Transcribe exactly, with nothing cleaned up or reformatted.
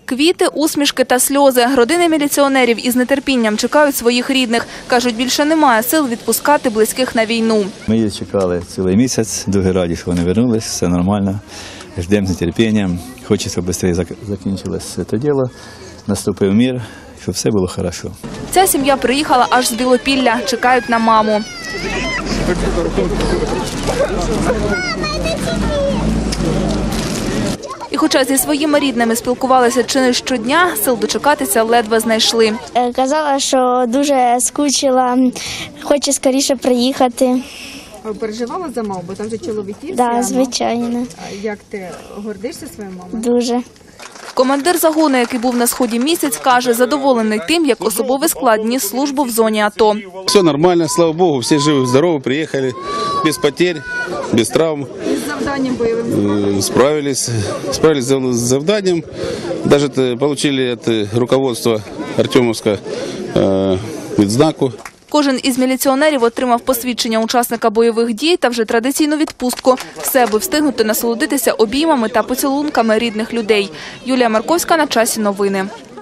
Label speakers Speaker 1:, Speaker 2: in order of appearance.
Speaker 1: Квіти, усмішки та сльози. Родини міліціонерів із нетерпінням чекають своїх рідних. Кажуть, більше немає сил відпускати близьких на війну.
Speaker 2: Ми їх чекали цілий місяць, дуже раді, що вони повернулися, все нормально. Ждемо з нетерпінням. Хочеться швидше закінчилося це діло, наступив мир, щоб все було добре.
Speaker 1: Ця сім'я приїхала аж з Білопілля. Чекають на маму. І хоча зі своїми рідними спілкувалися чи не щодня, сил дочекатися ледве знайшли.
Speaker 3: Казала, що дуже скучила, хоче скоріше приїхати.
Speaker 4: Переживала за маму, бо там же чоловіків?
Speaker 3: Так, да, звичайно.
Speaker 4: Як ти гордишся своєю мамою?
Speaker 3: Дуже.
Speaker 1: Командир загону, який був на сході місяць, каже, задоволений тим, як особовий склад ніс службу в зоні АТО.
Speaker 5: Все нормально, слава Богу, всі живі, здорові, приїхали, без потерь, без травм.
Speaker 4: З завданням бойовим?
Speaker 5: Справились, справились з завданням. Навіть отримали від руководства Артемовська відзнаку.
Speaker 1: Кожен із міліціонерів отримав посвідчення учасника бойових дій та вже традиційну відпустку. Все, аби встигнути насолодитися обіймами та поцілунками рідних людей. Юлія Марковська, на часі новини.